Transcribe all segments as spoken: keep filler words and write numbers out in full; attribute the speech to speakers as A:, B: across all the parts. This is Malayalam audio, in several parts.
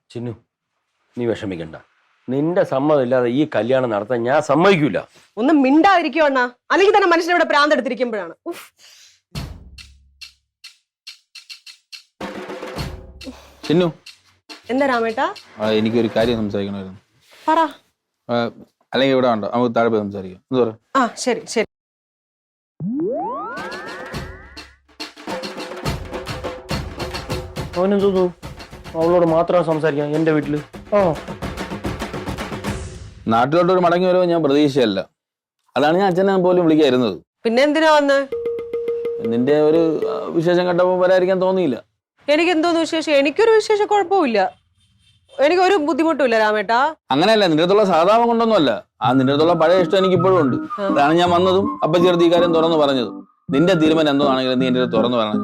A: ചിന്നു, നീ വിഷമിക്കണ്ട. നിന്റെ സമ്മതം ഇല്ലാതെ ഈ കല്യാണം നടത്താൻ ഞാൻ സമ്മതിക്കൂല.
B: ഒന്നും മിണ്ടാതിരിക്കോ അണ്ണാ, അല്ലെങ്കിൽ തന്നെ മനുഷ്യനിവിടെ പ്രാന്തെടുത്തിരിക്കുമ്പോഴാണ്.
C: ചിന്നു,
B: എന്താ രാമേട്ടാ?
C: എനിക്കൊരു കാര്യം സംസാരിക്കണമായിരുന്നു.
B: പറ.
C: അല്ലെങ്കിൽ ഇവിടെ ഉണ്ടോ, നമുക്ക് താഴെ പോയി സംസാരിക്കാം. എന്താ പറയാ?
B: ആ ശരി ശരി.
A: അവനെന്തോന്നു അവളോട് മാത്രം സംസാരിക്കാം എന്റെ വീട്ടില്? ആ,
C: നാട്ടിലോട്ടൊരു മടങ്ങി വരുമോ ഞാൻ പ്രതീക്ഷയല്ല. അതാണ് ഞാൻ അച്ഛനെ പോലും വിളിക്കായിരുന്നത്.
B: പിന്നെ എന്തിനാ വന്ന്?
C: നിന്റെ ഒരു വിശേഷം കണ്ടപ്പോൾ വരാതിരിക്കാൻ തോന്നിയില്ല.
B: എനിക്ക് എന്തോന്ന് വിശേഷം? എനിക്കൊരു വിശേഷ കുഴപ്പമില്ല, എനിക്കൊരു ബുദ്ധിമുട്ടുമില്ല രാമേട്ടാ.
C: അങ്ങനെയല്ല, നിന്റെ അടുത്തുള്ള സാധാരണ കൊണ്ടൊന്നുമല്ല. ആ നിന്റെ അടുത്തുള്ള പഴയ ഇഷ്ടം എനിക്ക് ഇപ്പോഴും ഉണ്ട്. അതാണ് ഞാൻ വന്നതും അപ്പൊ ചെറുത് ഈ കാര്യം തുറന്നു പറഞ്ഞതും. നിന്റെ തീരുമാനം എന്തോ ആണെങ്കിലും നീ എന്റെ അടുത്ത് തുറന്നു പറഞ്ഞു.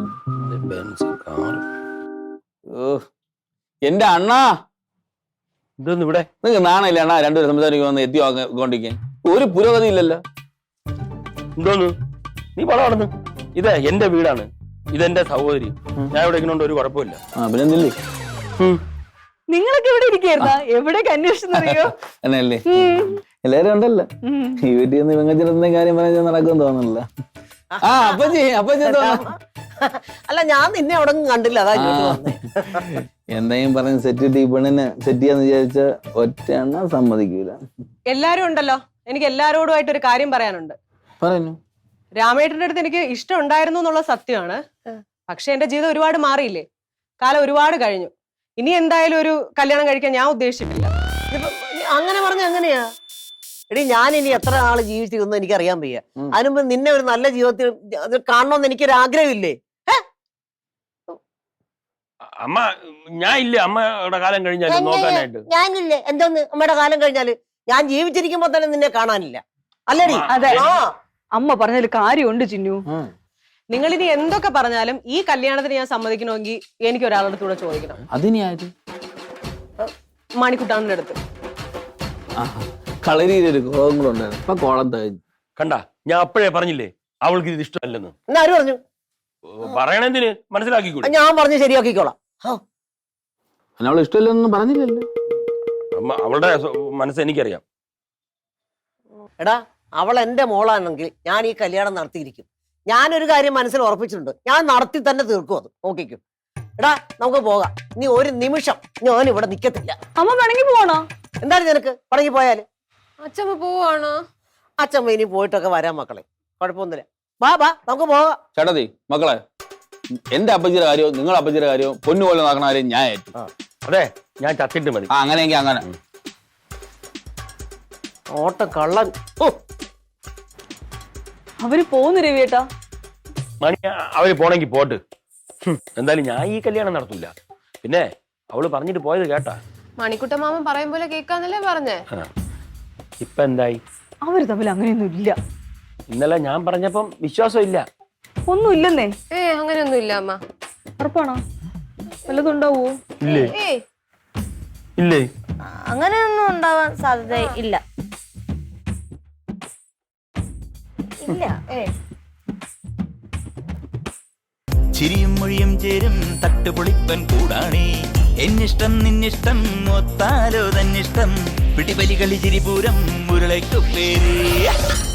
C: എന്റെ അണ്ണാ,
A: ഇതൊന്നും ഇവിടെ
C: നിങ്ങക്ക് നാണയില്ല അണ്ണാ രണ്ടുപേരും സംസാരിക്കും വന്ന് എത്തി കൊണ്ടിരിക്കാൻ? ഒരു പുരോഗതി ഇല്ലല്ലോ.
A: എന്തോന്ന് നീ വളർന്നു? ഇത് എന്റെ വീടാണ്, ഇതെന്റെ സഹോദരി. ഞാൻ ഇവിടെ ഇങ്ങോട്ട് ഒരു കുഴപ്പമില്ല.
C: ആ പിന്നെ എന്തില്ലേ,
B: നിങ്ങളൊക്കെ ഇവിടെ ഇരിക്കായിരുന്ന എവിടേക്ക് അന്വേഷിച്ചറിയോ?
C: എന്നല്ലേ എല്ലാരും ഉണ്ടല്ലോ. ഈ വീട്ടിൽ നിന്ന് വെങ്ങച്ചിടത്തിന്റെ കാര്യം പറഞ്ഞാൽ നടക്കുമെന്ന് തോന്നുന്നില്ല. ആ അപ്പച്ചി അപ്പച്ചി
D: അല്ല, ഞാൻ നിന്നെ അവിടെ കണ്ടില്ല, അതാ
C: എന്തെങ്കിലും പറഞ്ഞ് സെറ്റ് ഈ പെണ്ണിനെ സെറ്റ് ചെയ്യാന്ന് വിചാരിച്ച ഒറ്റ എണ്ണ സമ്മതിക്കൂല.
B: എല്ലാരും ഉണ്ടല്ലോ, എനിക്ക് എല്ലാരോടുമായിട്ട് ഒരു കാര്യം പറയാനുണ്ട്.
C: പറഞ്ഞു.
B: രാമേട്ടന്റെ അടുത്ത് എനിക്ക് ഇഷ്ടം ഉണ്ടായിരുന്നു എന്നുള്ള സത്യമാണ്. പക്ഷെ എന്റെ ജീവിതം ഒരുപാട് മാറിയില്ലേ, കാലം ഒരുപാട് കഴിഞ്ഞു. ഇനി എന്തായാലും ഒരു കല്യാണം കഴിക്കാൻ ഞാൻ ഉദ്ദേശിച്ചിട്ടില്ല.
D: അങ്ങനെ പറഞ്ഞ എങ്ങനെയാ? എടി, ഞാൻ ഇനി എത്ര നാള് ജീവിച്ചിരുന്നു എനിക്ക് അറിയാൻ വയ്യ. അതിനുമ്പ് നിന്നെ ഒരു നല്ല ജീവിതത്തിൽ കാണണമെന്ന് എനിക്കൊരു ആഗ്രഹമില്ലേ?
A: അമ്മ ഞാൻ ഇല്ലേ അമ്മയുടെ കാലം കഴിഞ്ഞാല് നോക്കാനായിട്ട്?
D: ഞാനില്ലേ? എന്തോന്ന് അമ്മയുടെ കാലം കഴിഞ്ഞാല്? ഞാൻ ജീവിച്ചിരിക്കുമ്പോ തന്നെ നിന്നെ കാണാനില്ല അല്ലേടി?
B: അതെ, അമ്മ പറഞ്ഞതിൽ കാര്യമുണ്ട് ചിന്നു. നിങ്ങൾ ഇനി എന്തൊക്കെ പറഞ്ഞാലും ഈ കല്യാണത്തിന് ഞാൻ സമ്മതിക്കണമെങ്കിൽ എനിക്ക് ഒരാളുടെ കൂടെ ചോദിക്കണം.
C: അതിനായത്
B: മണിക്കുട്ടാണിന്റെ അടുത്ത്.
C: കളരിയിലൊരു കോളം കൂടെ ഉണ്ടായിരുന്നു, ഇപ്പൊ കോളം തകഞ്ഞു.
A: കണ്ട, ഞാൻ അപ്പോഴേ പറഞ്ഞില്ലേ അവൾക്ക് ഇത് ഇഷ്ടമല്ലെന്ന്.
D: ആര് പറഞ്ഞു?
A: പറയണെന്തിന്? മനസ്സിലാക്കിക്കൂടെ?
D: ഞാൻ പറഞ്ഞു ശരിയാക്കിക്കോളാം.
C: അവൾ ഇഷ്ടമല്ലെന്നൊന്നും പറഞ്ഞില്ലല്ലോ.
A: അമ്മ അവളുടെ മനസ്സ് എനിക്കറിയാം.
D: എടാ, അവൾ എന്റെ മോളാണെങ്കിൽ ഞാൻ ഈ കല്യാണം നടത്തിയിരിക്കും. ഞാനൊരു കാര്യം മനസ്സിൽ ഉറപ്പിച്ചിട്ടുണ്ട്, ഞാൻ നടത്തി തന്നെ തീർക്കും അത്. നോക്കിക്കും. എടാ, നമുക്ക് പോകാം. നീ ഒരു നിമിഷം ഞാൻ ഇവിടെ നിക്കത്തില്ല.
B: അമ്മ പിണങ്ങി പോവാണോ?
D: എന്താണ് നിനക്ക്? പണങ്ങി പോയാല്?
B: അച്ഛമ്മ പോവാണോ?
D: അച്ഛമ്മ ഇനി പോയിട്ടൊക്കെ വരാം മക്കളെ, കുഴപ്പമൊന്നുമില്ല. ബാ ബാ നമുക്ക് പോകാം.
C: ചേട്ടത്തി മക്കളെ, എന്റെ അപ്പച്ചിയുടെ കാര്യവും നിങ്ങളുടെ അപ്പച്ചിയുടെ കാര്യവും പൊന്നുപോലെ നടക്കണ കാര്യം ഞാൻ ഏറ്റു.
A: അതെ, ഞാൻ ചത്തിട്ട് മതി.
C: ആ അങ്ങനെയെങ്കിൽ അങ്ങനെ.
D: ഓട്ടം കള്ളൻ.
B: അവര് പോന്നു രവിയേട്ടാ.
A: മണി അവര് പോണെങ്കി പോട്ട്. എന്തായാലും ഞാൻ ഈ കല്യാണം നടത്തൂല. പിന്നെ അവള് പറഞ്ഞിട്ട് പോയത് കേട്ടാ?
E: മണിക്കുട്ട മാമൻ പറയും പോലെ കേൾക്കാന്നല്ലേ പറഞ്ഞേ.
A: ഇപ്പൊ എന്തായി?
B: അവര് തമ്മിൽ അങ്ങനെയൊന്നും ഇല്ല.
A: ഇന്നലെ ഞാൻ പറഞ്ഞപ്പം വിശ്വാസം ഇല്ല.
B: ഒന്നും ഇല്ലെന്നേ.
E: ഏ അങ്ങനെയൊന്നും ഇല്ല അമ്മ.
B: ഉറപ്പാണോ? വല്ലതും ഉണ്ടാവോ?
A: ഇല്ലേ ഇല്ലേ
F: അങ്ങനെയൊന്നും ഉണ്ടാവാൻ സാധ്യത ഇല്ല. ഇല്ല. ഏ
G: ചിരിയും മൊഴിയും ചേരും തട്ടുപൊളിപ്പൻ കൂടാണേ. എന്നിഷ്ടം നിന്നിഷ്ടം ഒത്താലോ തന്നിഷ്ടം. പിടിപലി കളി ചിരിപൂരം മുരളയ്ക്കു പേര്.